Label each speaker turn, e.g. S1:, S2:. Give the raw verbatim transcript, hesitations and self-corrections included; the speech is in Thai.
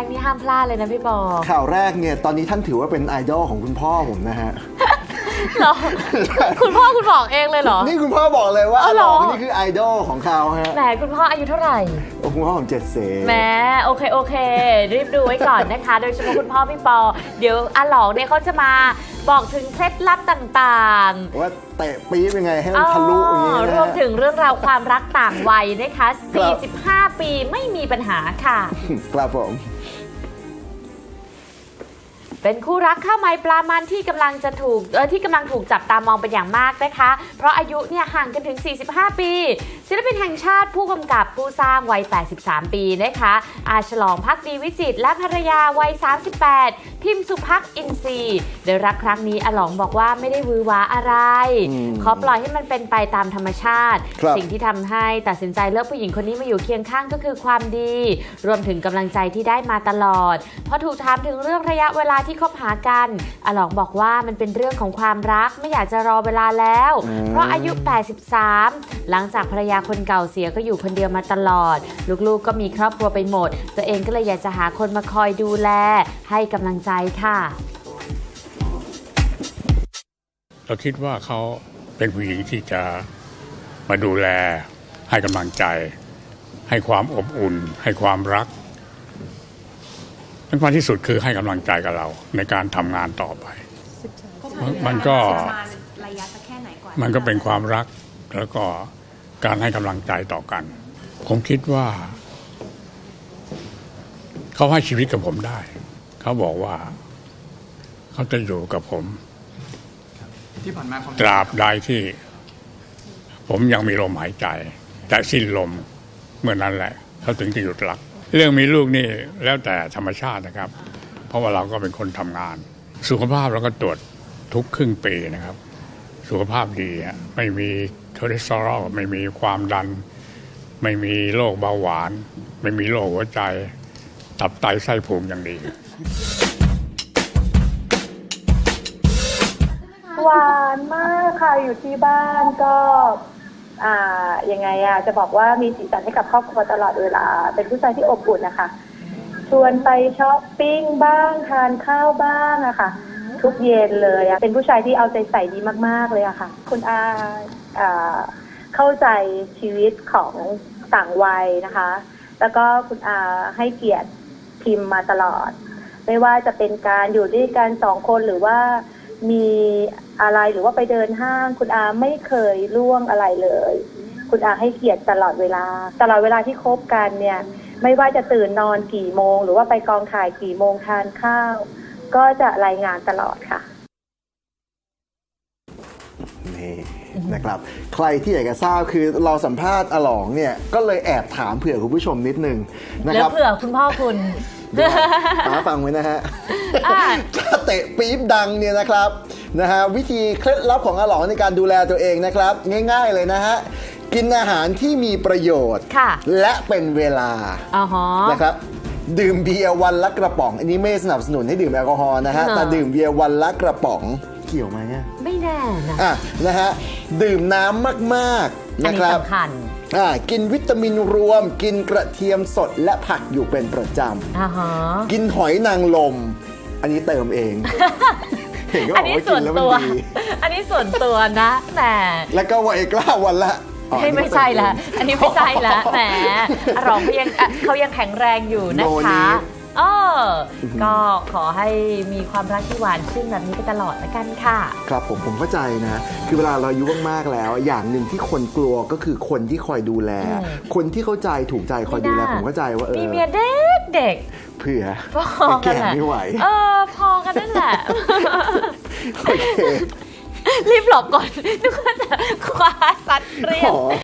S1: กนี่ห้ามพลาดเลยนะพี่บอ
S2: ข่าวแรกเนี่ยตอนนี้ท่านถือว่าเป็นไอดอลของคุณพ่อผมนะฮะ
S1: หรอคุณพ่อคุณบอกเองเลยเหรอ
S2: นี่คุณพ่อบอกเลยว่าอาหลองนี่คือไอดอลของเขาฮะ
S1: แหมคุณพ่ออายุเท่าไหร่
S2: โอ้คุณพ่อผมเจ็ดเส
S1: แหมโอเคโอเครีบดูไว้ก่อนนะคะโดยเฉพาะคุณพ่อพี่ปอเดี๋ยวอาหลองเนี่ยเขาจะมาบอกถึงเคล็ดลับต่าง
S2: ๆว่าเตะปี๊บยังไงให้มันทะลุอย่างนี้
S1: รวมถึงเรื่องราวความรักต่างวัยนะคะสี่สิบห้าปีไม่มีปัญหาค่ะ
S2: ครับผม
S1: เป็นคู่รักข้าวไม้ปลามันที่กำลังจะถูกเออที่กำลังถูกจับตามองเป็นอย่างมากนะคะเพราะอายุเนี่ยห่างกันถึงสี่สิบห้าปีศิลปินแห่งชาติผู้กำกับผู้สร้างวัยแปดสิบสามปีนะคะอาฉลองภักดีวิจิตรและภรรยาวัยสามสิบแปดพิมพ์สุภักอินทรีย์โดยรักครั้งนี้อาหลองบอกว่าไม่ได้วือหวาอะไรขอปล่อยให้มันเป็นไปตามธรรมชาติสิ่งที่ทำให้ตัดสินใจเลือกผู้หญิงคนนี้มาอยู่เคียงข้างก็คือความดีรวมถึงกำลังใจที่ได้มาตลอดพอถูกถามถึงเรื่องระยะเวลาที่คบหากันอาหลองบอกว่ามันเป็นเรื่องของความรักไม่อยากจะรอเวลาแล้วเพราะอายุแปดสิบสามหลังจากภรรยาคนเก่าเสียก็อยู่คนเดียวมาตลอดลูกๆก็มีครอบครัวไปหมดตัวเองก็เลยอยากจะหาคนมาคอยดูแลให้กำลังใจค่ะ
S3: เราคิดว่าเขาเป็นผู้หญิงที่จะมาดูแลให้กำลังใจให้ความอบอุ่นให้ความรักสำคัญที่สุดคือให้กำลังใจกับเราในการทำงานต่อไปมันก็มันก็เป็นความรักแล้วก็การให้กำลังใจต่อกันผมคิดว่าเขาให้ชีวิตกับผมได้เขาบอกว่าเขาจะอยู่กับผมตราบใดที่ผมยังมีลมหายใจแต่สิ้นลมเมื่อนั้นแหละเขาถึงจะหยุดรักเรื่องมีลูกนี่แล้วแต่ธรรมชาตินะครับเพราะว่าเราก็เป็นคนทำงานสุขภาพเราก็ตรวจทุกครึ่งปีนะครับสุขภาพดีไม่มีคอเลสเตอรอลไม่มีความดันไม่มีโรคเบาหวานไม่มีโรคหัวใจตับไตไส้พุงอย่างดี
S4: หวานมากค่ะอยู่ที่บ้านก็อ่ายังไงอะจะบอกว่ามีสีสันให้กับครอบครัวตลอดเวลาเป็นผู้ชายที่อบอุ่นนะคะชวนไปช้อปปิ้งบ้างทานข้าวบ้างอะค่ะทุกเย็นเลยอะเป็นผู้ชายที่เอาใจใส่ดีมากๆเลยอะค่ะคุณอาอ่าเข้าใจชีวิตของต่างวัยนะคะแล้วก็คุณอาให้เกียรติพิมพ์มาตลอดไม่ว่าจะเป็นการอยู่ด้วยกันสองคนหรือว่ามีอะไรหรือว่าไปเดินห้างคุณอาไม่เคยล่วงอะไรเลยคุณอาให้เกียรติตลอดเวลาตลอดเวลาที่คบกันเนี่ยไม่ว่าจะตื่นนอนกี่โมงหรือว่าไปกองถ่ายกี่โมงทานข้าวก็จะรายงานตลอดค่ะ
S2: นี่นะครับใครที่อยากจะทราบคือเราสัมภาษณ์อาหลองเนี่ยก็เลยแอบถามเผื่อคุณผู้ชมนิดนึงนะครับ
S1: แล้วเผื่อคุณพ่อคุณ
S2: หาฟังไว้นะฮะถ้าเตะปี๊บดังเนี่ยนะครับนะฮะวิธีเคล็ดลับของอาหลองในการดูแลตัวเองนะครับง่ายๆเลยนะฮะกินอาหารที่มีประโยชน์และเป็นเวลานะครับดื่มเบียร์วันละกระป๋องอันนี้ไม่สนับสนุนให้ดื่มแอลกอฮอล์นะฮะแต่ดื่มเบียร์วันละกระป๋องเกี่ยวไหมเนี่ย
S1: ไม่แน่นะ
S2: อ่ะนะฮะดื่มน้ำมากๆนะครับ
S1: อันนี้สำคัญ
S2: อ่ากินวิตามินรวมกินกระเทียมสดและผักอยู่เป็นประจำกินหอยนางรมอันนี้เติมเอง
S1: อันนี้ส่วนตัวอันนี้ส่วนตัวนะแต่
S2: แล้วก็ไวกล้าวันละ
S1: ไม่ใช่ละอันนี้ไม่ใช่ละแหมรองเขายังเขายังแข็งแรงอยู่นะคะเออก็ขอให้มีความรักที่หวานชื่นแบบนี้ไปตลอดละกันค่ะ
S2: ครับผมผมเข้าใจนะคือเวลาเราอายุมากๆแล้วอย่างหนึ่งที่คนกลัวก็คือคนที่คอยดูแลคนที่เข้าใจถูกใจคอยดูแลผมเข้าใจว่าเออ
S1: มีเมียเด็กเด็ก
S2: เผื่อแก่ไม่ไหว
S1: เออพอกันนั่นแหละ
S2: โอเค
S1: รีบหลบก่อนนึกว่าจะคว้าซัดเรียบ